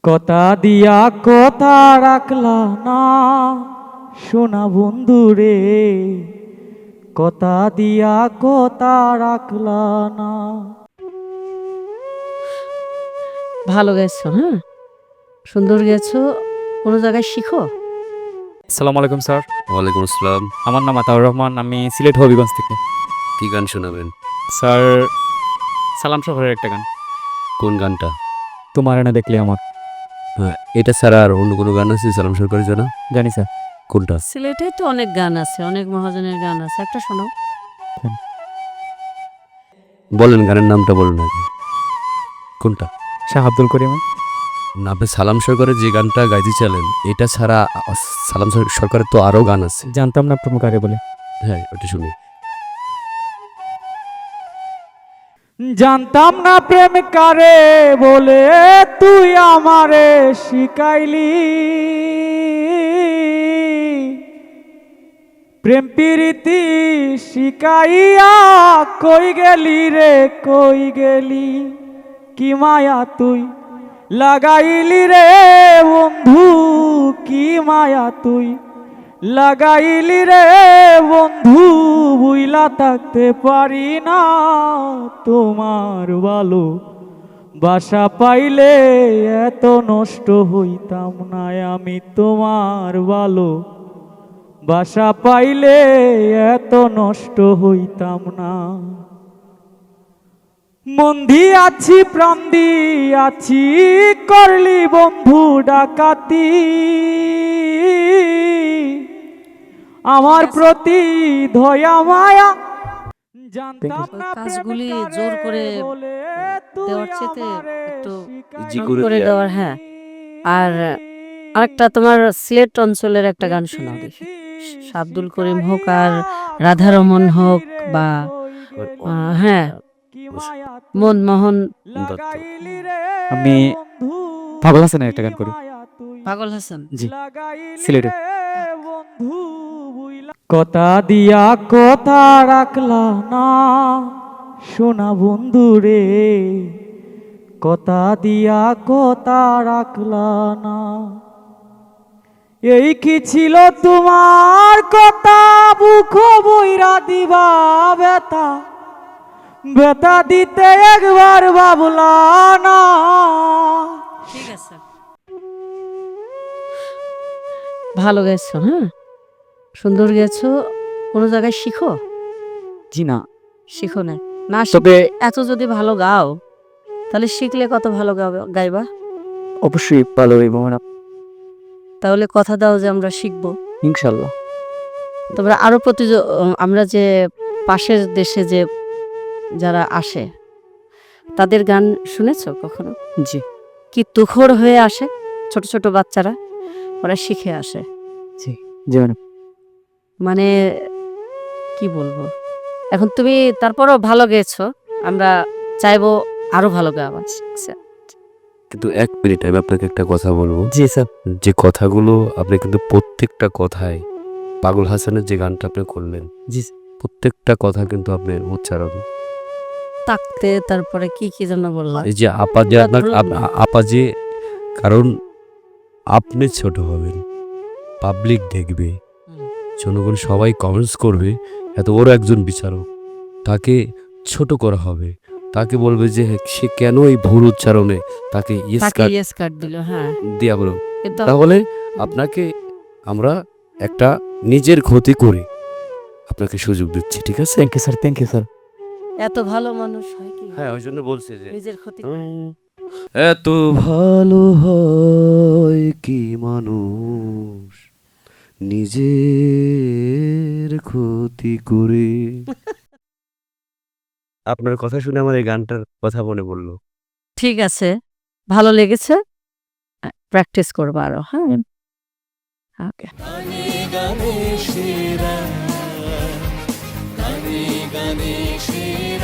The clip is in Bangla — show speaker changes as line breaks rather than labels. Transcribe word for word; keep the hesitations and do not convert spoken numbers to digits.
কথা দিয়া কথা রাখলা না সোনা বন্ধু রে, কথা দিয়া কথা রাখলা না।
ভালো গেছো, হ্যাঁ সুন্দর গেছো। কোনো জায়গায় শিখো?
আসসালামু আলাইকুম স্যার।
ওয়ালাইকুম আসসালাম।
আমার নাম আতাউর রহমান, আমি সিলেট হবিগঞ্জ থেকে।
কি গান শোনাবেন?
স্যার সালাম শহরের একটা গান,
কোন গানটা?
তোমার এনে দেখলে আমার।
হ্যাঁ, এটা ছাড়া আর অন্য কোনো গান আছে সালাম সরকারের জন্য?
জানি স্যার।
কোনটা?
সিলেটে তো অনেক গান আছে, অনেক মহাজনের গান আছে, একটা শোনাও।
বলেন, গানের নামটা বলুন আগে। কোনটা?
শাহ আব্দুল করিম।
না, আপনি সালাম সরকারের যে গানটা গাইতে চালেন, এটা ছাড়া আ- সালাম সর- সরকারের তো আরও গান আছে।
জানতাম না প্রমুখ আগে বলে।
হ্যাঁ, ওটা শুনি।
জানতাম না প্রেম কারে বলে তুই আমারে শিখাইলি, প্রেম প্রীতি শিখাইয়া কই গেলি রে কই গেলি, কি মায়া তুই লাগাইলি রে বন্ধু, কি মায়া তুই লাগাইলি রে বন্ধু, বুইলা থাকতে পারি না তোমার ভালো বাসা পাইলে এত নষ্ট হইতাম না আমি, তোমার ভালো বাসা পাইলে এত নষ্ট হইতাম না। মন দিয়াছি প্রাণ দিয়াছি করলি বন্ধু ডাকাতি, আমার প্রতি দয়া মায়া জানতাম না
কাজগুলি জোর করে দেওয়ার চেতে একটু
ইজি
কম
করে
করে
দেয়া।
দেওয়ার, হ্যাঁ। আর আরেকটা তোমার সিলেট অঞ্চলের একটা গান শোনাও দেখি, শাহ আব্দুল করিম হোক আর রাধারমন হোক বা আহ, হ্যাঁ মনমোহন
দত্ত।
আমি পাগল হাসানের একটা গান করি।
পাগল হাসান।
জি, সিলেটে।
কথা দিয়া কথা রাখলা না সোনা বন্ধু রে, কথা দিয়া কথা রাখলা না। এই কি ছিল তোমার কথা বুক বইরা দিবা বেতা, বেতা দিতে একবার ভাবলা না।
ঠিক আছে, ভালো গেছো, হ্যাঁ সুন্দর গেছো। কোনো জায়গায় শিখো?
জি না,
শিখো না? না
তবে
শিখে এত যদি ভালো গাও তাহলে শিখলে কত ভালো গাবে- গাইবা।
অবশ্যই ভালো হইব ম্যাডাম,
তাহলে কথা দাও যে আমরা শিখবো।
ইনশাল্লাহ।
তোমরা আরো প্রতি আমরা যে পাশের দেশে যে যারা আসে তাদের গান শুনেছো কখনো?
জি
কি তুখোড় হয়ে আসে ছোট ছোট বাচ্চারা, ওরা শিখে আসে।
জি জি ম্যাডাম।
মানে কি বলবো, এখন তুমি তারপরও ভালো গেছো, আমরা চাইবো আরো ভালো গাওয়া।
কিন্তু এক মিনিট, আমি আপনাকে একটা কথা বলবো।
জি স্যার।
যে কথাগুলো আপনি কিন্তু প্রত্যেকটা কথায়, পাগল হাসানের যে গানটা আপনি করলেন,
জি
প্রত্যেকটা কথা কিন্তু আপনার উচ্চারণ।
তাকতে তারপরে কি কি যেন বললাম।
এই যে আপা যে আপনার আপ- আপা যে, কারণ আপনি ছোট হবেন, পাবলিক দেখবে, জনগণ সবাই কমেন্টস করবে, এত বড় একজন বিচারক, তাকে ছোট করা হবে, তাকে বলবে যে সে কেন এই ভুল উচ্চারণে তাকে ইয়েস
তাকে
কার্ড
ইয়েস কার্ড দিল, হ্যাঁ।
দিয়া বলো।
কিন্তু
তাহলে আপনাকে আমরা একটা নিজের ক্ষতি করে আপনাকে সুযোগ দিচ্ছি, ঠিক আছে?
Thank you sir, thank you sir.
এত ভালো মানুষ হয় কি
হ্যাঁ, ওই জন্য বলছে যে
নিজের ক্ষতি।
উম, এত ভালো হয় কি মানুষ নিজের ক্ষতি করে। আপনার কথা শুনে আমার এই গানটার কথা মনে পড়লো।
ঠিক আছে, ভালো লেগেছে, প্র্যাকটিস করবো আরো, হ্যাঁ। ওকে।
গানে গানে সেরা, গানে গানে সেরা।